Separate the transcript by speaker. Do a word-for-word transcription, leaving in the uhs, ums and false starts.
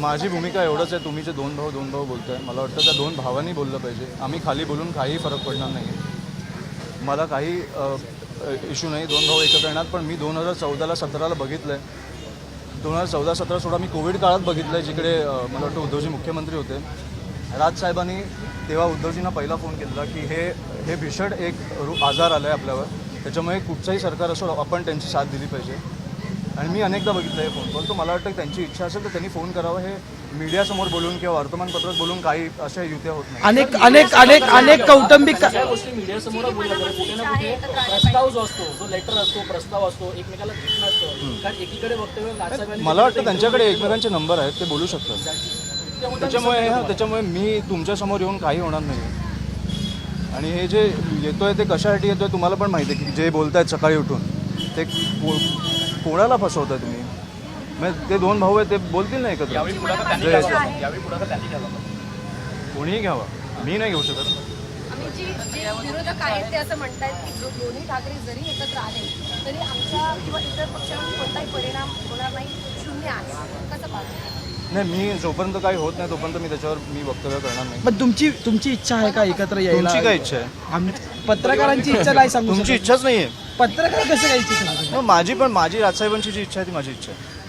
Speaker 1: माझी भूमिका एवढंच आहे, तुम्ही जे दोन भाऊ दोन भाऊ बोलताय, मला वाटतं त्या दोन भावांनी बोललं पाहिजे. आम्ही खाली बोलून काही फरक पडणार नाही. मला काही इश्यू नाही दोन भाऊ एकत्र येणार. पण मी दोन हजार चौदाला सतराला बघितलं आहे. दोन हजार चौदा सतरा सोळा मी कोविड काळात बघितलं आहे, जिकडे मला वाटतं उद्धवजी मुख्यमंत्री होते. राजसाहेबांनी तेव्हा उद्धवजींना पहिला फोन केला की हे हे भीषण एक रू आजार आला आहे आपल्यावर, त्याच्यामुळे कुठचंही सरकार असो आपण त्यांची साथ दिली पाहिजे. आणि मी अनेकदा बघितलं आहे फोन कॉल. तो मला वाटतं त्यांची इच्छा असेल तर त्यांनी फोन करावा. हे मीडियासमोर बोलून किंवा वर्तमानपत्रात बोलून काही अशा युत्या होत नाही.
Speaker 2: अनेक अनेक अनेक अनेक कौटुंबिक
Speaker 3: गोष्टी मीडियासमोर बोलल्या जातात. कुठे ना कुठे प्रस्ताव जो असतो, जो लेटर असतो, प्रस्ताव असतो, एकमेकाला भेटणं असतं. कारण एकीकडे वक्तव्य राजसाहेबांनी
Speaker 1: मला वाटतं त्यांच्याकडे एकमेकांचे नंबर आहेत, ते बोलू शकतात. त्याच्यामुळे हां त्याच्यामुळे मी तुमच्यासमोर येऊन काही होणार नाही. आणि हे जे येतोय ते कशासाठी येतोय तुम्हाला पण माहिती आहे की जे बोलतायत सकाळी उठून ते को कोणाला फसवताय तुम्ही. म्हणजे ते दोन भाऊ आहेत ते बोलतील नाही एकत्र. कोणीही घ्यावा, मी नाही घेऊ शकत.
Speaker 4: आम्ही जी जे विरोधक आहेत ते असं म्हणतायत की जो दोन्ही ठाकरे जरी एकत्र आले तरी आमच्या किंवा इतर पक्षांवर कोणताही परिणाम होणार नाही, शून्य आहे. कसं पाहतो?
Speaker 1: नाही, मी जोपर्यंत काही होत नाही तोपर्यंत मी त्याच्यावर मी वक्तव्य करणार नाही.
Speaker 2: पण तुमची तुमची इच्छा आहे का एकत्र यायला?
Speaker 1: तुमची काय इच्छा आहे?
Speaker 2: आम- पत्रकारांची इच्छा नाही सांगू
Speaker 1: तुमची
Speaker 2: शकत.
Speaker 1: इच्छाच नाही आहे.
Speaker 2: पत्रकार कसं काय इच्छा सांगू शकत?
Speaker 1: माझी पण माझी राजसाहेबांची जी इच्छा आहे ती माझी इच्छा आहे.